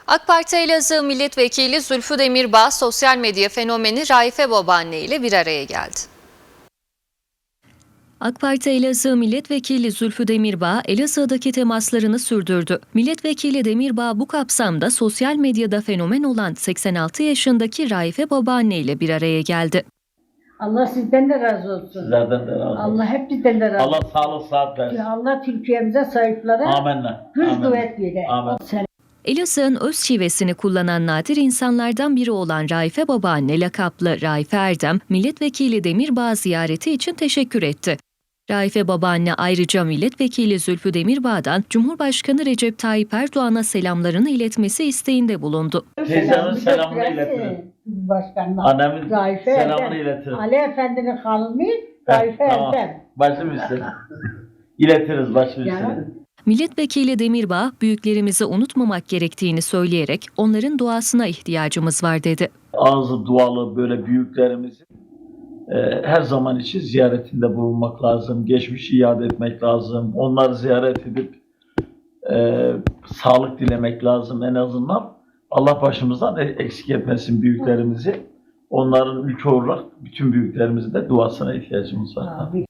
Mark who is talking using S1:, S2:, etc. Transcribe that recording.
S1: AK Parti Elazığ Milletvekili Zülfü Demirbağ, sosyal medya fenomeni Raife Babaanne ile bir araya geldi. AK Parti Elazığ Milletvekili Zülfü Demirbağ, Elazığ'daki temaslarını sürdürdü. Milletvekili Demirbağ bu kapsamda sosyal medyada fenomen olan 86 yaşındaki Raife Babaanne ile bir araya geldi.
S2: Allah sizden de razı olsun.
S3: Sizlerden de razı olsun.
S2: Allah hepinizden de razı olsun.
S3: Allah sağlık sıhhat versin.
S2: Allah Türkiye'mize, sahiplara
S3: Amenna.
S2: güç
S3: Amenna.
S2: kuvvet verir.
S3: Amin.
S1: Elazığ'ın öz şivesini kullanan nadir insanlardan biri olan Raife Babaanne lakaplı Raife Erdem, Milletvekili Demirbağ ziyareti için teşekkür etti. Raife Babaanne ayrıca Milletvekili Zülfü Demirbağ'dan Cumhurbaşkanı Recep Tayyip Erdoğan'a selamlarını iletmesi isteğinde bulundu.
S3: Teyzemin selamını iletirim.
S2: Başkanına.
S3: Annemin
S2: Raife
S3: selamını
S2: Erdem.
S3: iletirim.
S2: Ali Efendi'nin hanımı Raife
S3: Tamam.
S2: Erdem.
S3: Başım üstüne. İletiriz başım
S2: Ya.
S3: üstüne.
S1: Milletvekili Demirbağ, büyüklerimizi unutmamak gerektiğini söyleyerek onların duasına ihtiyacımız var dedi.
S3: Ağzı dualı böyle büyüklerimizin her zaman için ziyaretinde bulunmak lazım. Geçmişi iade etmek lazım. Onları ziyaret edip sağlık dilemek lazım en azından. Allah başımızdan eksik etmesin büyüklerimizi. Onların ülke olarak bütün büyüklerimizin de duasına ihtiyacımız var.
S2: Abi.